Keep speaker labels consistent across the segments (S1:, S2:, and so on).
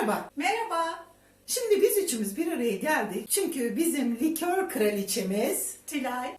S1: Merhaba.
S2: Merhaba.
S1: Şimdi biz üçümüz bir araya geldik. Çünkü bizim likör kraliçemiz
S2: Tülay.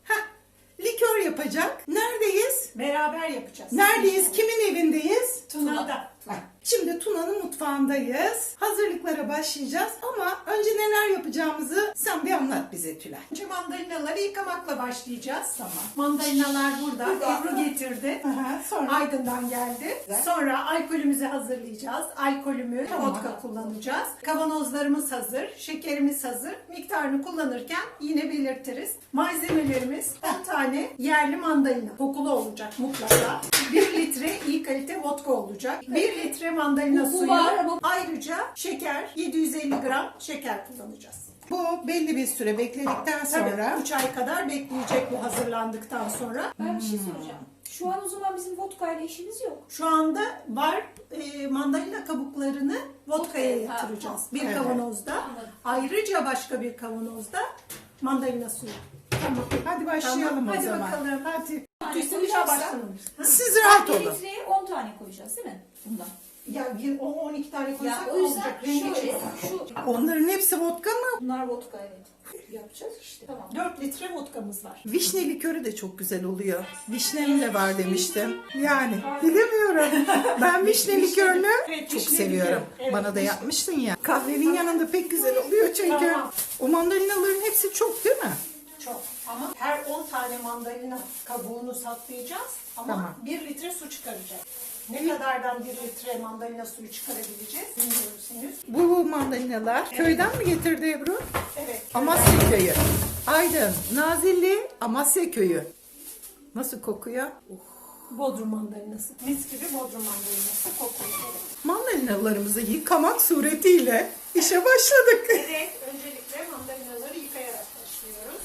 S1: likör yapacak. Neredeyiz?
S2: Beraber yapacağız.
S1: Neredeyiz? Kimin evindeyiz?
S2: Tuna'da.
S1: Şimdi Tuna'nın mutfağındayız. Hazırlıklara başlayacağız ama önce neler yapacağımızı sen bir anlat bize Tülay.
S2: Önce mandalinaları yıkamakla başlayacağız. Tamam. Mandalinalar burada. Ebru getirdi.
S1: Sonra
S2: Aydın'dan geldi.
S1: Güzel.
S2: Sonra alkolümüzü hazırlayacağız. Alkolümü
S1: Tamam.
S2: vodka kullanacağız. Kavanozlarımız hazır. Şekerimiz hazır. Miktarını kullanırken yine belirtiriz. Malzemelerimiz 10 tane yerli mandalina. Kokulu olacak mutlaka. 1 litre iyi kalite vodka olacak. 1 litre mandalina
S3: Bu
S2: suyu.
S3: var ama-
S2: Ayrıca şeker, 750 gram şeker kullanacağız.
S1: bu belli bir süre bekledikten sonra
S2: Tabii 3 ay kadar bekleyecek bu hazırlandıktan sonra.
S3: Ben bir şey soracağım. Şu an o zaman bizim vodka ile işimiz yok.
S2: Şu anda var mandalina kabuklarını vodka'ya
S3: Vodka'ya,
S2: yatıracağız. Bir
S1: Evet.
S2: kavanozda.
S3: Anladım.
S2: Ayrıca başka bir kavanozda mandalina suyu.
S1: tamam. Hadi başlayalım
S2: Tamam,
S1: o
S2: hadi
S1: zaman.
S2: bakalım.
S1: Hadi.
S2: Tüysel başlamamış.
S1: Siz rahat
S3: 1
S1: olun.
S3: litreye 10 tane koyacağız değil mi? Bundan.
S2: Ya 12 tane koysak
S3: Ya o yüzden
S2: olacak. Rengi
S3: şöyle,
S2: çıkar.
S1: Onların hepsi vodka mı?
S3: bunlar vodka evet. Yapacağız işte. Tamam.
S2: 4 litre vodkamız var.
S1: Vişne likörü de çok güzel oluyor. Vişnem de var demiştim. Yani bilemiyorum. Ben vişne likörünü
S2: Evet,
S1: çok
S2: vişne
S1: seviyorum.
S2: likör. Evet,
S1: Bana da
S2: vişne.
S1: yapmıştın ya. Kahvenin yanında pek güzel oluyor çünkü.
S2: Tamam.
S1: O mandalinaların hepsi çok değil mi?
S2: Çok. Ama her 10 tane mandalina kabuğunu saklayacağız. Ama
S1: Tamam.
S2: 1 litre su çıkaracağız. Ne kadardan 1 litre mandalina suyu çıkarabileceğiz bilmiyoruz henüz.
S1: Bu mandalinalar köyden mi getirdi Ebru?
S2: Evet.
S1: Amasya köyü. Aydın, Nazilli, Amasya köyü. Nasıl kokuyor?
S2: Bodrum mandalinası. Mis gibi Bodrum mandalinası kokuyor. Evet.
S1: Mandalinalarımızı yıkamak suretiyle işe başladık.
S2: Evet. Öncelikle mandalinaları yıkayarak başlıyoruz.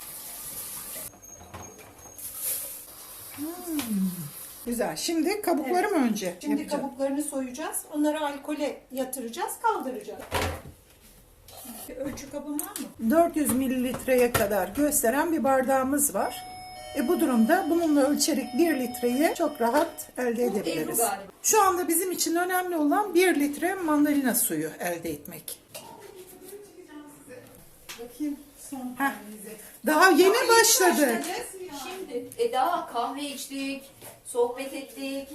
S1: Güzel. Şimdi kabukları mı önce
S2: Şimdi
S1: yapacağım?
S2: kabuklarını soyacağız. Onları alkole yatıracağız, kaldıracağız. Bir ölçü kabın var mı?
S1: 400 mililitreye kadar gösteren bir bardağımız var. Bu durumda bununla ölçerek 1 litreyi çok rahat elde
S3: Ebru
S1: edebiliriz.
S3: galiba.
S1: Şu anda bizim için önemli olan 1 litre mandalina suyu elde etmek.
S2: Bakayım son
S1: Heh.
S2: halinize.
S1: Daha yeni başladık.
S3: Şimdi daha kahve içtik, sohbet ettik.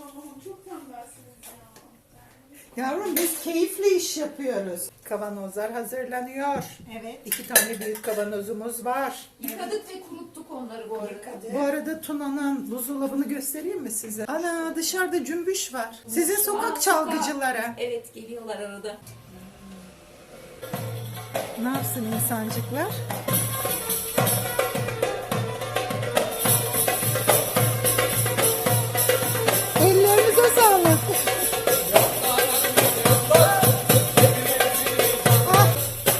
S1: Yavrum biz keyifli iş yapıyoruz. Kavanozlar hazırlanıyor.
S2: Evet.
S1: 2 tane büyük kavanozumuz var.
S3: Yıkadık ve kuruttuk onları bu arada.
S1: Bu arada Tuna'nın buzdolabını göstereyim mi size? Ana dışarıda cümbüş var. Sizin sokak çalgıcılara.
S3: Evet geliyorlar arada.
S1: Ne yapsın insancıklar? Ellerinize sağlık. Ah.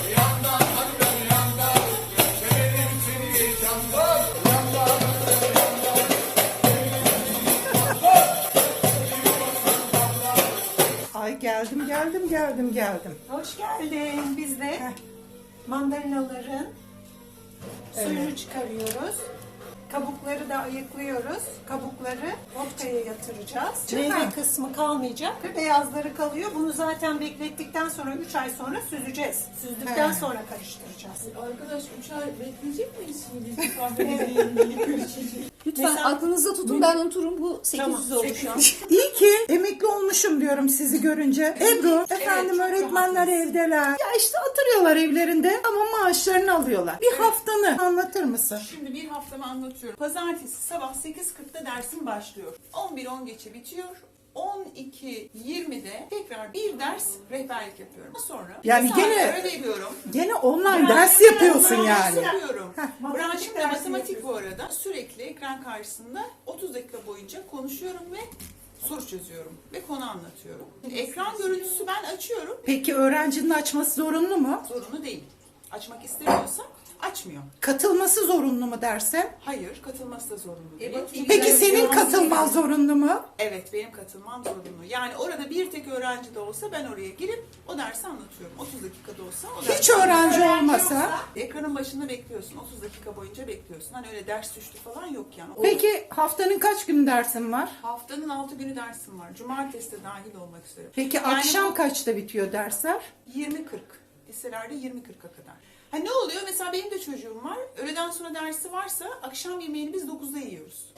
S1: Ay geldim.
S2: Hoş geldin. Biz de mandalinaların suyunu çıkarıyoruz. Kabukları da ayıklıyoruz. Kabukları vodka'ya yatıracağız. Meyve kısmı kalmayacak. Beyazları kalıyor. Bunu zaten beklettikten sonra 3 ay sonra süzeceğiz. Süzdükten
S1: He.
S2: sonra karıştıracağız.
S4: Arkadaş 3 ay bekleyecek miyiz şimdi biz kahveleri
S3: Lütfen
S2: Mesela-
S3: aklınızda tutun ben unuturum bu 800
S2: Tamam,
S3: oldu şu an.
S1: İyi ki emekli olmuşum diyorum sizi görünce. Ebru, efendim
S2: çok
S1: öğretmenler evdeler. Ya işte oturuyorlar evlerinde ama maaşlarını alıyorlar. Bir haftanı anlatır mısın?
S4: Şimdi bir haftamı anlatıyorum. Pazartesi sabah 8.40'da dersim başlıyor. 11:10 geçe bitiyor. 12:20'de tekrar bir ders rehberlik yapıyorum. Sonra
S1: Yani
S4: bir saat
S1: gene-
S4: ara veriyorum.
S1: Gene online ders yapıyorsun
S4: Ders
S1: yani.
S4: yapıyorum.
S2: Matematik
S4: Branşım da
S2: dersi
S4: matematik bu arada. Sürekli ekran karşısında 30 dakika boyunca konuşuyorum ve soru çözüyorum ve konu anlatıyorum. Ekran görüntüsü ben açıyorum.
S1: Peki öğrencinin açması zorunlu mu?
S4: Zorunlu değil. Açmak istemiyorsa Açmıyor.
S1: Katılması zorunlu mu dersin?
S4: Hayır, katılması da zorunlu değil.
S3: bakayım.
S1: Peki
S3: Güzel,
S1: senin
S3: güzel.
S1: katılman zorunlu mu?
S4: Evet, benim katılmam zorunlu. Yani orada bir tek öğrenci de olsa ben oraya girip o dersi anlatıyorum. 30 dakikada olsa o dersi
S1: Hiç öğrenci olmasa.
S4: ekranın başında bekliyorsun. 30 dakika boyunca bekliyorsun. Hani öyle ders düştü falan yok yani.
S1: Peki haftanın kaç gün dersin var?
S4: Haftanın 6 günü dersim var. Cumartesi de dahil olmak üzere.
S1: Peki
S4: Yani
S1: akşam
S4: bu
S1: kaçta bitiyor dersler?
S4: 20-40. Liselerde 20-40'a kadar. Ha ne oluyor? Mesela benim de çocuğum var. Öğleden sonra dersi varsa akşam yemeğini biz 9'da yiyoruz.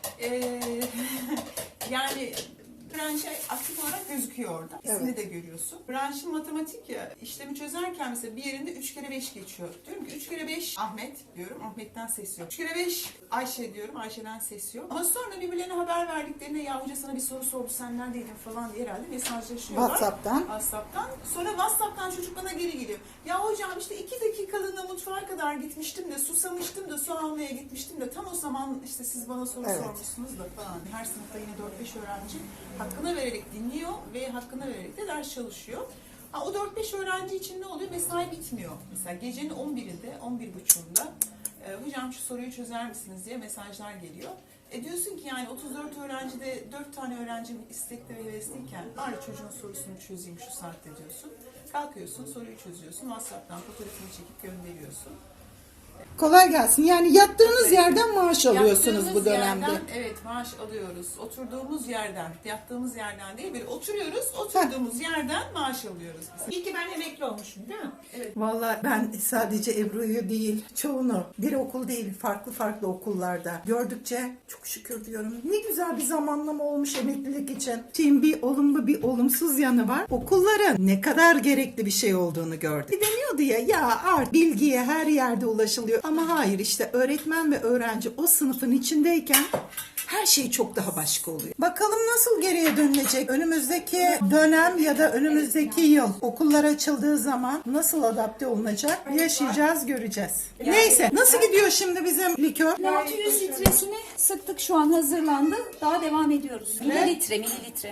S4: Yani branş aktif olarak gözüküyor orada. İsmini de görüyorsun. Branşın matematik ya, işlemi çözerken mesela bir yerinde 3 kere 5 geçiyor. Diyorum ki 3 kere 5 Ahmet diyorum. Ahmet'ten ses yok. 3 kere 5 Ayşe diyorum. Ayşe'den ses yok. Ama sonra birbirlerine haber verdiklerinde ya hoca sana bir soru sordu sen neredeydin falan diye herhalde mesajlaşıyorlar. WhatsApp'tan. Sonra WhatsApp'tan çocuk bana geri geliyor. Ya hocam işte 2 dakikalığına mutfağa kadar gitmiştim de susamıştım da su almaya gitmiştim de tam o zaman işte siz bana soru sormuşsunuz da falan. Her sınıfta yine 4-5 öğrenci hakkına vererek dinliyor ve hakkına vererek de ders çalışıyor. Ha, o 4-5 öğrenci için ne oluyor? Mesai bitmiyor. Mesela gecenin 11'inde, 11.30'unda hocam şu soruyu çözer misiniz diye mesajlar geliyor. Diyorsun ki yani 34 öğrencide 4 tane öğrencim istekli ve hevesliyken bari çocuğun sorusunu çözeyim şu saatte diyorsun. Kalkıyorsun, soruyu çözüyorsun. WhatsApp'tan fotoğrafını çekip gönderiyorsun.
S1: Kolay gelsin. Yani yattığınız yerden maaş alıyorsunuz
S4: Yattığımız
S1: bu dönemde.
S4: Yerden, evet maaş alıyoruz. Oturduğumuz yerden, yattığımız yerden değil, böyle oturuyoruz, oturduğumuz yerden maaş alıyoruz.
S2: İyi ki ben emekli olmuşum değil mi?
S1: Vallahi ben sadece Ebru'yu değil, çoğunu bir okul değil, farklı okullarda gördükçe çok şükür diyorum. Ne güzel bir zamanlama olmuş emeklilik için. Şimdi bir olumlu bir olumsuz yanı var. Okulların ne kadar gerekli bir şey olduğunu gördük. Bir deniyordu ya artık bilgiye her yerde ulaşılıyor. Ama hayır, işte öğretmen ve öğrenci o sınıfın içindeyken her şey çok daha başka oluyor. Bakalım nasıl geriye dönülecek? Önümüzdeki dönem ya da önümüzdeki yıl okullar açıldığı zaman nasıl adapte olunacak? Yaşayacağız, göreceğiz. Neyse, nasıl gidiyor şimdi bizim likör?
S3: 600 litresini sıktık, şu an hazırlandı. Daha devam ediyoruz. Mililitre.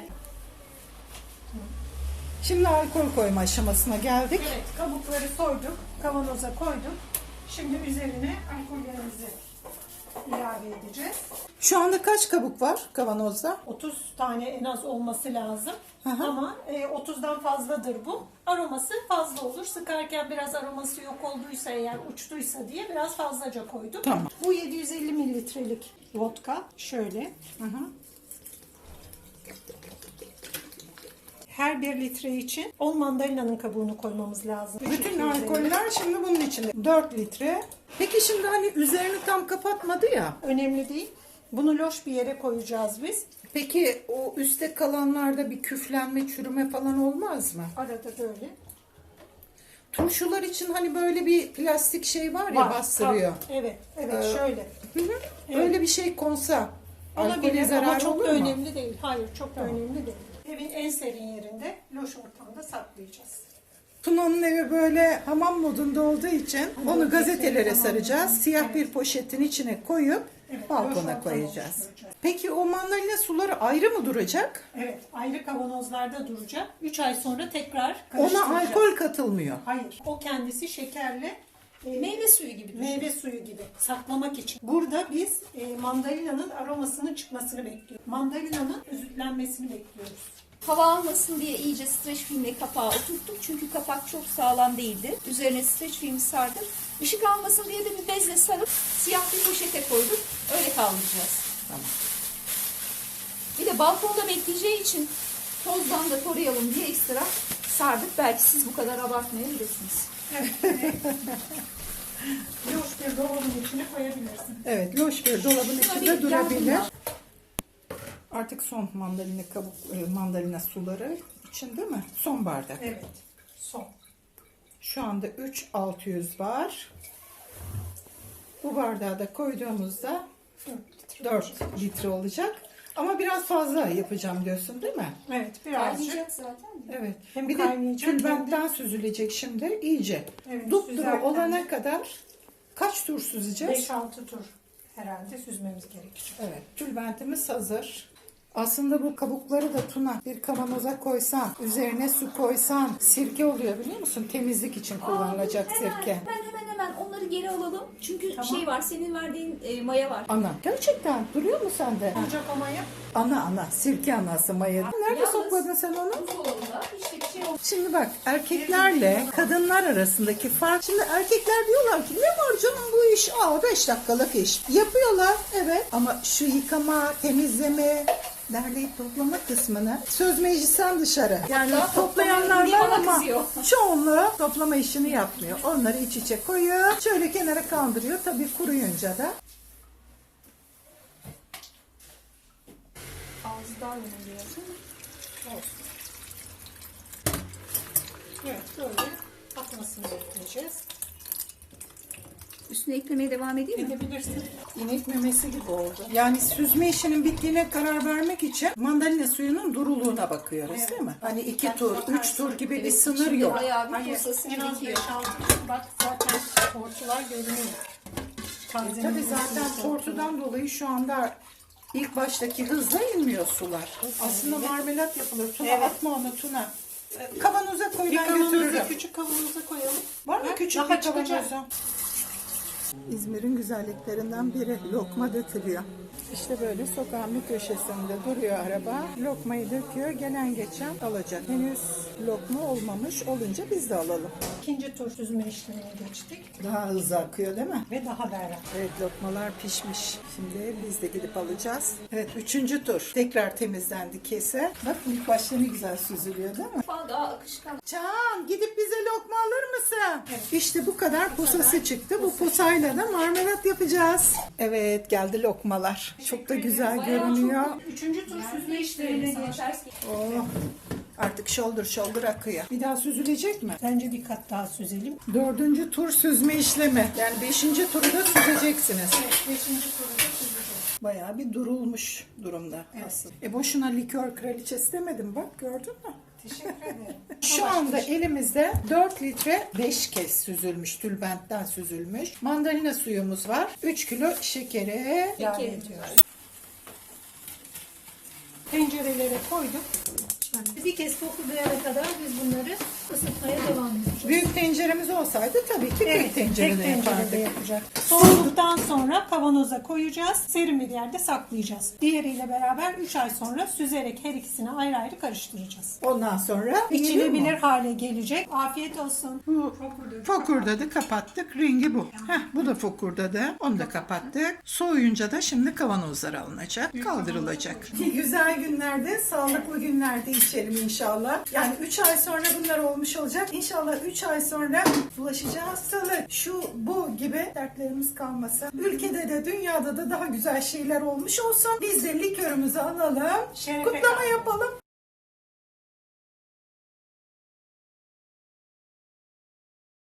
S1: Şimdi alkol koyma aşamasına geldik.
S2: Evet, kabukları soyduk, kavanoza koyduk. Şimdi üzerine alkollerimizi ilave edeceğiz.
S1: Şu anda kaç kabuk var kavanozda?
S2: 30 tane en az olması lazım.
S1: Hı hı.
S2: Ama 30'dan fazladır bu. Aroması fazla olur. Sıkarken biraz aroması yok olduysa eğer uçtuysa diye biraz fazlaca koydum.
S1: Tamam.
S2: Bu 750 mililitrelik vodka. Şöyle.
S1: Hı hı.
S2: Her 1 litre için 10 mandalinanın kabuğunu koymamız lazım.
S1: Bütün alkoller şimdi bunun içinde. 4 litre. Peki şimdi hani üzerini tam kapatmadı ya.
S2: Önemli değil. Bunu loş bir yere koyacağız biz.
S1: Peki o üstte kalanlarda bir küflenme, çürüme falan olmaz mı?
S2: Arada böyle.
S1: Turşular için hani böyle bir plastik şey var ya, bastırıyor.
S2: Evet, şöyle.
S1: Hı hı. Öyle bir şey konsa alkolü
S2: Olabilir ama
S1: zarar
S2: çok
S1: olur
S2: da
S1: mu?
S2: önemli değil. Hayır, çok da önemli değil. Evin en serin yerinde, loş ortamda saklayacağız.
S1: Tuna'nın evi böyle hamam modunda olduğu için onu gazetelere saracağız. Siyah bir poşetin içine koyup
S2: Evet,
S1: balkona
S2: loş
S1: koyacağız.
S2: ortamda.
S1: Peki o mandalina suları ayrı mı duracak?
S2: Evet, ayrı kavanozlarda duracak. 3 ay sonra tekrar
S1: Ona
S2: karıştıracağız.
S1: alkol katılmıyor.
S2: Hayır, o kendisi şekerle
S3: Meyve suyu gibi düşün.
S2: meyve suyu gibi saklamak için. Burada biz mandalinanın aromasının çıkmasını bekliyoruz. Mandalinanın özütlenmesini bekliyoruz.
S3: Hava almasın diye iyice streç filmle kapağı oturttuk. Çünkü kapak çok sağlam değildi. Üzerine streç filmi sardık. Işık almasın diye de bir bezle sarıp siyah bir poşete koyduk. Öyle kaldıracağız.
S1: Tamam.
S3: Bir de balkonda bekleyeceği için tozdan da koruyalım diye ekstra sardık. Belki siz bu kadar abartmayabilirsiniz.
S2: Loş bir dolabın içine koyabilirsin.
S1: Evet, loş bir dolabın içinde
S3: bir
S1: durabilir.
S3: yandan.
S1: Artık son mandalina suları için değil mi? Son bardak.
S2: Evet, son.
S1: Şu anda 3.600 var. Bu bardağı da koyduğumuzda 4 litre olacak. Ama biraz fazla yapacağım diyorsun değil mi?
S2: Evet, birazcık.
S3: Kaynayacak zaten.
S1: Evet.
S2: Hem
S1: bir de
S2: kaynayacak hem de-
S1: tülbentten süzülecek şimdi iyice.
S2: Evet,
S1: Dupduru
S2: süzerken
S1: olana
S2: de-
S1: kadar kaç tur süzeceğiz?
S2: 5-6 tur herhalde süzmemiz gerekecek.
S1: Evet. Tülbentimiz hazır. Aslında bu kabukları da Tuna bir kavanoza koysan, üzerine su koysan sirke oluyor biliyor musun? Temizlik için kullanılacak sirke.
S3: Hemen onları Onu geri alalım. Çünkü şey var, senin verdiğin maya var.
S1: Ana. Gerçekten duruyor mu sende?
S2: Olacak o maya.
S1: Ana. Sirke anası maya. Nerede
S3: Yalnız-
S1: sakladın sen onu?
S3: Buzdolabında işte bir şey oldu.
S1: Şimdi bak erkeklerle kadınlar arasındaki fark. Şimdi erkekler diyorlar ki ne var canım bu iş? 5 dakikalık iş. Yapıyorlar evet ama şu yıkama, temizleme, derleyip toplama kısmını söz meclisten dışarı. Yani toplayanlar
S3: diye
S1: var
S3: bana
S1: ama
S3: kızıyor.
S1: çoğunluğu toplama işini yapmıyor. Onları iç içe koyuyor. Şöyle kenara kaldırıyor. Tabii kuruyunca da.
S3: Ağzı daha önemli yazın.
S2: Evet böyle akmasını bekleyeceğiz.
S3: Üstüne eklemeye devam edeyim mi?
S2: Edebilirsin.
S1: İnek memesi gibi oldu. Yani süzme işinin bittiğine karar vermek için mandalina suyunun duruluğuna bakıyoruz değil mi? Hani 2 tur, 3 tur gibi bir sınır
S3: Şimdi
S1: yok.
S3: bayağı bir
S2: Hayır,
S3: posası
S2: en az
S3: birikiyor.
S2: 5-6. Bak zaten tortular görünüyor.
S1: Tabii zaten tortudan dolayı şu anda ilk baştaki hızla inmiyor sular. Aslında marmelat yapılır. Tuna atma onu Tuna. Kavanoza koy
S2: Bir
S1: ben
S2: kavanoza,
S1: götürürüm.
S2: küçük kavanoza koyalım.
S1: Var mı
S2: Bak,
S1: küçük
S2: daha
S1: bir
S2: çıkacak.
S1: kavanoza? İzmir'in güzelliklerinden biri lokma dökülüyor. İşte böyle sokağın bir köşesinde duruyor araba. Lokmayı döküyor. Gelen geçen alacak. Henüz lokma olmamış olunca biz de alalım.
S2: İkinci tur süzme işlemine geçtik
S1: Daha hızlı akıyor değil mi?
S2: ve daha berrak.
S1: Evet lokmalar pişmiş. Şimdi biz de gidip alacağız. Evet 3. tur. Tekrar temizlendi kese. Bak ilk başta ne güzel süzülüyor değil mi?
S3: Daha akışkan.
S1: Can gidip bize lokma alır mısın? İşte bu kadar posası çıktı. Bu posayla da marmelat yapacağız. Evet geldi lokmalar. Çok da güzel görünüyor.
S2: Üçüncü tur süzme işlemine geçtik.
S1: Oh, artık shoulder akıyor. Bir daha süzülecek mi?
S2: Bence bir kat daha süzelim.
S1: 4. tur süzme işlemi. Yani 5. turu da süzeceksiniz.
S2: Beşinci turu da süzeceğiz.
S1: Bayağı bir durulmuş durumda aslında. Boşuna likör kraliçesi demedim bak gördün mü?
S2: Teşekkür ederim.
S1: Şu anda elimizde 4 litre 5 kez süzülmüş, tülbentten süzülmüş. Mandalina suyumuz var. 3 kilo şekere ilave
S3: Peki.
S1: ediyoruz.
S2: Tencerelere koyduk. Bir kez koklayana kadar biz bunları ısıtmaya devam edeceğiz.
S1: Büyük tenceremiz olsaydı tabii ki büyük tencerede
S2: tek tencerede
S1: yapardık.
S2: yapacak. Soğuduktan sonra kavanoza koyacağız. Serin bir yerde saklayacağız. Diğeriyle beraber 3 ay sonra süzerek her ikisini ayrı ayrı karıştıracağız.
S1: Ondan sonra
S2: İçilebilir hale gelecek. Afiyet olsun.
S1: Bu fokurdadı kapattık. Rengi bu. Bu da fokurdadı. Onu da kapattık. Soğuyunca da şimdi kavanozlara alınacak. Kaldırılacak. Güzel günlerde, sağlıklı günlerde içelim inşallah. Yani 3 ay sonra bunlar olmuş olacak. İnşallah 3 ay sonra bulaşıcı hastalık, şu bu gibi dertlerimiz kalmasın. Ülkede de dünyada da daha güzel şeyler olmuş olsun. Biz de likörümüzü alalım.
S2: Şerefe
S1: Kutlama
S2: kaldı.
S1: yapalım.